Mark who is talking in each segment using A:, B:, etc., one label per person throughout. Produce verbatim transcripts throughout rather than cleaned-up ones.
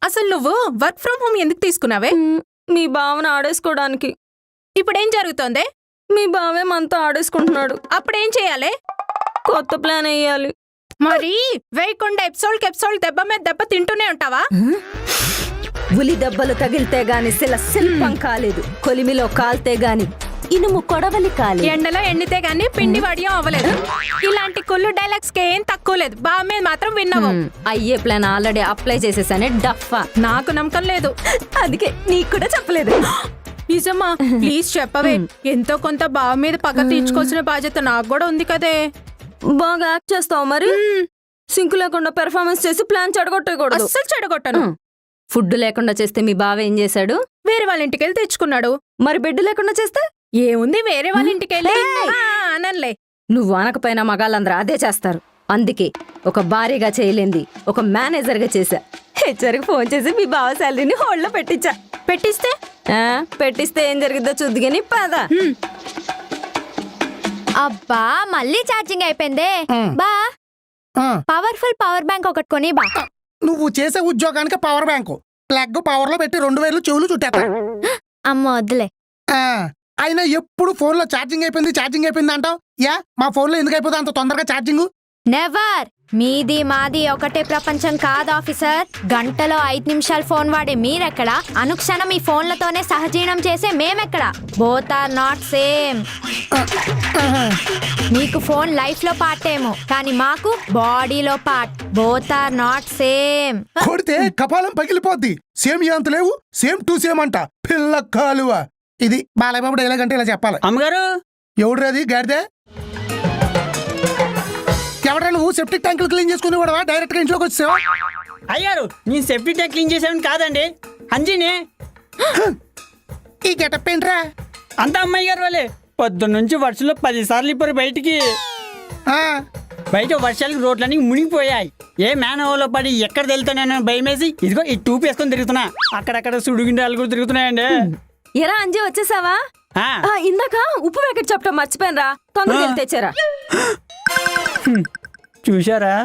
A: అసలు నువ్వు work from home ఎందుకు తీసుకున్నావే?
B: మీ బావను ఆడేసుకోవడానికి.
A: ఇప్పుడేం జరుగుతోందే?
B: మీ బావే మనతో ఆడేసుకుంటున్నాడు.
A: అప్పుడేం చేయాలి?
B: కొత్త ప్లాన్ వేయాలి.
A: మరి వేయకుండా ఎపిసోడ్ కెప్సోడ్ దెబ్బ మీద దెబ్బ తింటూనే ఉంటావా?
B: ఉలి దెబ్బలు తగిలితే గాని శిల శిల్పం కాలేదు, కొలిమిలో కాల్తే గాని ఇనుము కొడవలి కాలి.
A: ఎండలో ఎండితే గాని పిండి వడియం అవ్వలేదు. ఇలాంటి కుళ్ళు డైలాగ్స్ కి ఏం తక్కువ లేదు. బావ మీద మాత్రం విన్నావు.
B: అయ్యే ప్లాన్ ఆల్రెడీ అప్లై చేసేసానే డఫా.
A: నాకు నమ్మకం లేదు,
B: అందుకే నీకు కూడా చెప్పలేదు.
A: నిజమా? ప్లీజ్ చెప్పవే. ఎంతో కొంత బావ మీద పగ తీర్చుకోవాల్సిన బాధ్యత నాకు కూడా ఉంది కదే.
B: బాగా యాక్ట్ చేస్తావు మరి. సింకు లేకుండా పెర్ఫార్మెన్స్ చేసి ప్లాన్ చెడగొట్టకూడదు.
A: అస్సలు చెడగొట్టను.
B: ఫుడ్ లేకుండా చేస్తే మీ బావ ఏం చేశాడు?
A: వేరే వాళ్ళ ఇంటికి వెళ్ళి తెచ్చుకున్నాడు.
B: మరి బెడ్ లేకుండా చేస్తే
A: ఏముంది, వేరే వాళ్ళ ఇంటికి వెళ్ళి అనలే.
B: నువ్వు అనకపోయినా మగాళ్ళందరూ అదే చేస్తారు. అందుకే ఒక భారీగా చేయలేంది ఒక మేనేజర్ గా చేశా. హెచ్ఆర్ కి ఫోన్ చేసి మీ బావ శాలరీని హోల్డ్ లో పెట్టించా.
A: పెట్టిస్తే
B: పెట్టిస్తే ఏం జరిగిద్దో చూద్దుగాని పద.
C: అబ్బా మళ్ళీ ఛార్జింగ్ అయిపోయిందే. బా పవర్ఫుల్ పవర్ బ్యాంక్ ఒకటి కొని బా.
D: నువ్వు చేసే ఉద్యోగానికి పవర్ బ్యాంకు ప్లగ్ పవర్ లో పెట్టి రెండు వేలు చెవులు చుట్టేస్తా.
C: అమ్మ వద్దులే.
D: అయినా ఎప్పుడు ఫోన్ లో ఛార్జింగ్ అయిపోయింది ఛార్జింగ్ అయిపోయింది అంటావు. యా మా ఫోన్ లో ఎందుకు అయిపోతుంది అంత తొందరగా ఛార్జింగ్?
C: నెవర్. మీది మాది ఒకటే ప్రపంచం కాదు ఆఫీసర్. గంటలో ఐదు నిమిషాలు ఫోన్ వాడే మీరెక్కడ, అనుక్షణం ఈ ఫోన్లతోనే సహజీవనం చేసే మేమెక్కడ? Both are not same. మీకు ఫోన్ లైఫ్ లో పార్ట్ ఏమో, కానీ మాకు బాడీలో part. Both are not same.
D: కొడితే కపాలం పగిలిపోద్ది. సేమ్ అంత లేవు, సేమ్ టు సేమ్ అంట. పిల్ల కాలువ. ఇది బాలయ్యబాబు డైలాగ్ అంటే ఇలా చెప్పాలి.
E: అమ్మగారు
D: ఎవడ్రాది గాడిదే? ఎవడా నువ్వు? సెప్టిక్ ట్యాంకులు క్లీన్ చేసుకుని కూడా డైరెక్ట్ గా ఇంట్లోకి వచ్చావా?
E: అయ్యారు నేను సేఫ్టీ ట్యాంక్ క్లీన్ చేసాను కాదండి, అంజీని.
D: ఈ గెటప్ ఏంట్రా?
E: అంతా అమ్మాయి గారు వాళ్ళే. పొద్దున్న నుంచి వర్షంలో పది సార్లు ఇప్పుడు బయటికి బయట వర్షాలకు రోడ్లన్నీ మునిగిపోయాయి. ఏ మేనవలో పడి ఎక్కడ వెళ్తానో భయమేసి ఇదిగో ఈ టూప్ వేసుకొని తిరుగుతున్నా. అక్కడక్కడ సుడుగుండాలు కూడా తిరుగుతున్నాయండి.
B: ఎరా అంజీ వచ్చేసావా? ఇందాక ఉప్పు ప్యాకెట్ చెప్పడం మర్చిపోయినరా, తొందరగా వెళ్ళి తెచ్చారా.
E: చూశారా?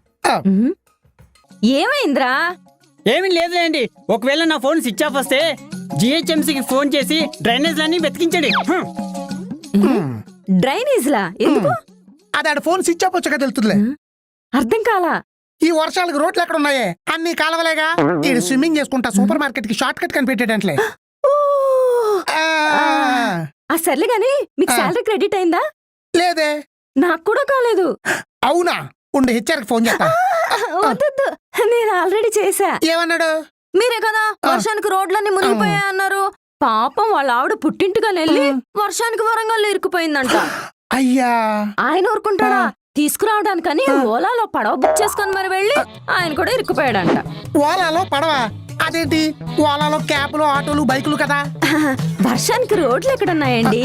B: ఏమైందిరా?
E: ఏమీ లేదులేండి. ఒకవేళ నా ఫోన్ స్విచ్ ఆఫ్ వస్తే జిహెచ్ఎంసీకి ఫోన్ చేసి డ్రైనేజ్ లన్నీ వెతికించండి.
B: డ్రైనేజ్ లా ఎందుకు?
D: అది ఆడ ఫోన్ స్విచ్ ఆఫ్ వచ్చాక తెలుతుందిలే.
B: అర్థం కాలా.
D: ఈ వర్షాలకు రోడ్లు ఎక్కడ ఉన్నాయే? అన్ని కాలవలేగా. ఈ స్విమ్మింగ్ చేసుకుంటా సూపర్ మార్కెట్ కి షార్ట్ కట్ కనిపెట్టేటట్లే.
B: ఆ సర్లే గాని మీకు శాలరీ క్రెడిట్ అయిందా?
D: లేదే.
B: నాకు కూడా కాలేదు.
D: అవునా? ఉండి హెచ్ఆర్ కి ఫోన్ చేస్తా.
B: వద్దు, నేను ఆల్రెడీ చేశా.
D: ఏమన్నాడు?
B: మీరే కదా వర్షానికి రోడ్లన్నీ మునిగిపోయా అన్నారు. పాపం వాళ్ళ ఆవిడ పుట్టింటిగా వెళ్ళి వర్షానికి వరంగల్లో ఇరుక్కుపోయిందంట.
D: అయ్యా,
B: ఆయన ఊరుకుంటాడా? తీసుకురావడానికని ఓలాలో పడవ బుక్ చేసుకుని మరి వెళ్ళి ఆయన కూడా ఇరుక్కుపోయాడంట.
D: ఓలాలో పడవ? అదేంటి? ఓలాలో క్యాబ్లు ఆటోలు బైకులు కదా.
B: వర్షానికి రోడ్లు ఎక్కడున్నాయండి?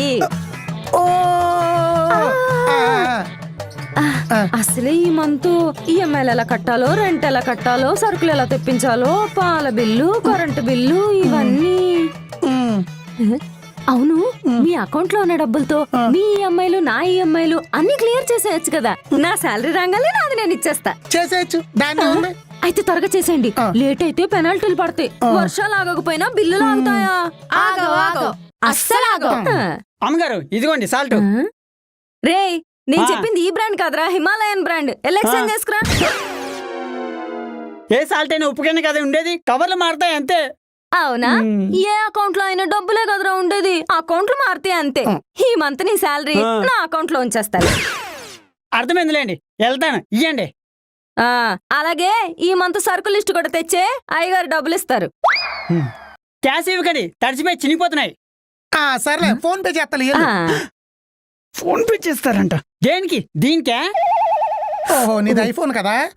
B: అసలే ఈ మంత్ ఈఎంఐలు ఎలా కట్టాలో, రెంట్ ఎలా కట్టాలో, సరుకులు ఎలా తెప్పించాలో, పాల బిల్లు, కరెంటు బిల్లు ఇవన్నీ. అవును, మీ అకౌంట్ లో ఉన్న డబ్బులతో మీ ఈఎంఐలు నా ఈఎంఐలు అన్ని క్లియర్ చేసేయచ్చు కదా. నా శాలరీ రాగానే నాది నేను ఇచ్చేస్తా.
D: చేసేయచ్చు. దాన్ని
B: అయితే త్వరగా చేసేయండి. లేట్ అయితే పెనాల్టీలు పడతాయి. వర్షాలు ఆగకపోయినా బిల్లులు ఆగుతాయా?
C: అస్సలు ఆగో.
E: అమ్మగారు ఇదిగోండి సాల్ట్.
B: రే, నేను చెప్పింది ఈ బ్రాండ్ కాదురా, హిమాలయన్ బ్రాండ్. ఎలక్షన్ చేసుకురా.
E: ఏ సాల్ట్ అయినా ఉప్పుకైనా కదా ఉండేది, కవర్లు మారుతాయి అంతే.
B: అవునా? ఏ అకౌంట్ లో అయినా డబ్బులే కదరా ఉండేది, అకౌంట్లు మారితే అంతే. ఈ మంత్ నీ శాలరీ నా అకౌంట్ లో ఉంచేస్తాను.
E: అర్థమైందిలేండి, వెళ్తాను. ఇయ్యండి.
B: అలాగే ఈ మంత్ సరుకు లిస్ట్ కూడా తెచ్చే, అయ్యగారు డబ్బులు ఇస్తారు.
E: క్యాష్ ఇవ్వకండి, తడిచిపోయి చినిగిపోతున్నాయి.
D: సర్లే, ఫోన్ పే చేస్తా.
E: ఫోన్ పే చేస్తారంట? దేనికి? దీనికే?
D: ఓహో, నీది ఐఫోన్ కదా,